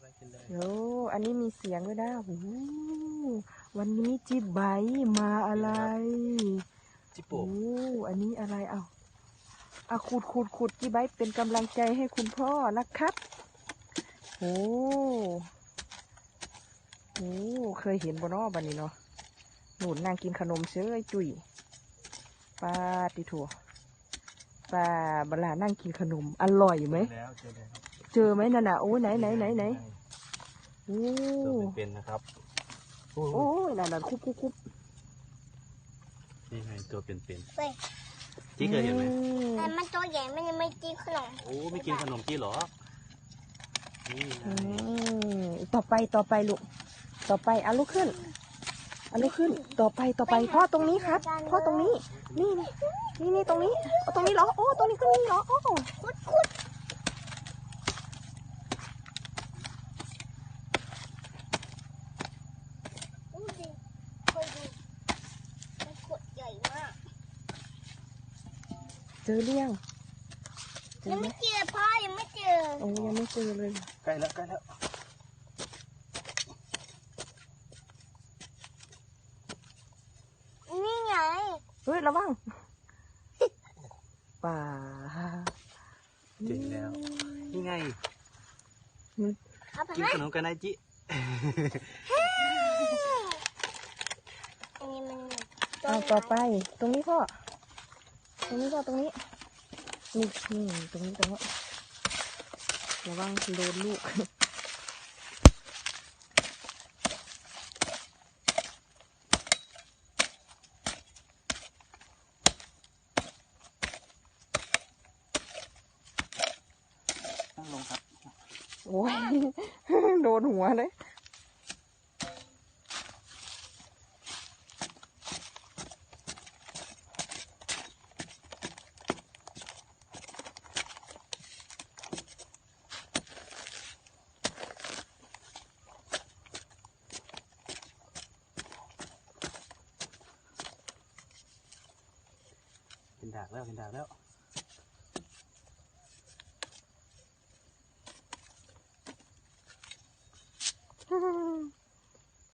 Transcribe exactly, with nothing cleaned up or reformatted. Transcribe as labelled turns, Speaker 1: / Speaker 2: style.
Speaker 1: โอ้อันนี้มีเสียงด้วยนะโอ้วันนี้จิบใบมาอะไรจิโอ้อันนี้อะไรเอาเอาขุดขุดขุดจิบใบเป็นกำลังใจให้คุณพ่อนะครับโอ้โอ้เคยเห็นบนอ้อบันนี้เนาะหนุนนางกินขนมเชื้อจุ๋ยปลาติถั่วปลาบลานั่งกินขนมอร่อยไหมเจอไหมนั่นน่ะโอ้ไหนไหนไหนไหนโอ้
Speaker 2: เป็นนะครับ
Speaker 1: โอ้ยนั่นน่ะคุบคุบคุบ
Speaker 2: นี่ไงตัวเป็นเป็นจี้เคยเห็นไหม
Speaker 3: แต่มันตัวใหญ่มันยังไม่กินขนม
Speaker 2: โอ้ไม่กินขนมจี้หรอนี่
Speaker 1: ต่อไปต่อไปลูกต่อไปเอาลูกขึ้นเอาลูกขึ้นต่อไปต่อไปพ่อตรงนี้ครับพ่อตรงนี้นี่นี่นี่ตรงนี้ตรงนี้เหรอโอ้ตรงนี้ก็นี่เหรอโอ้
Speaker 3: คุดคุดดูดิคอยดูมันขวดใหญ่มาก
Speaker 1: เจอเรี่ยง
Speaker 3: ยังไม่เจอพ่อยังไม่เจอ
Speaker 1: โอ้ยังไม่เจอเลย
Speaker 2: ใกล้แล้วใกล้แล้ว
Speaker 3: นี่ไง
Speaker 1: เฮ้ยระวังป่า
Speaker 2: เจอแล้วนี่ไงกินขนมกันนะจิ
Speaker 1: เอาต่อไปตรงนี้พ่อตรงนี้พ่อตรงนี้นี่นี่ตรงนี้ตรงนี้ระวังโดนลูก
Speaker 2: ลงครับ
Speaker 1: โอ้ยโดนหัวเลย
Speaker 2: เป็นดากแล้วเป็นดากแล้ว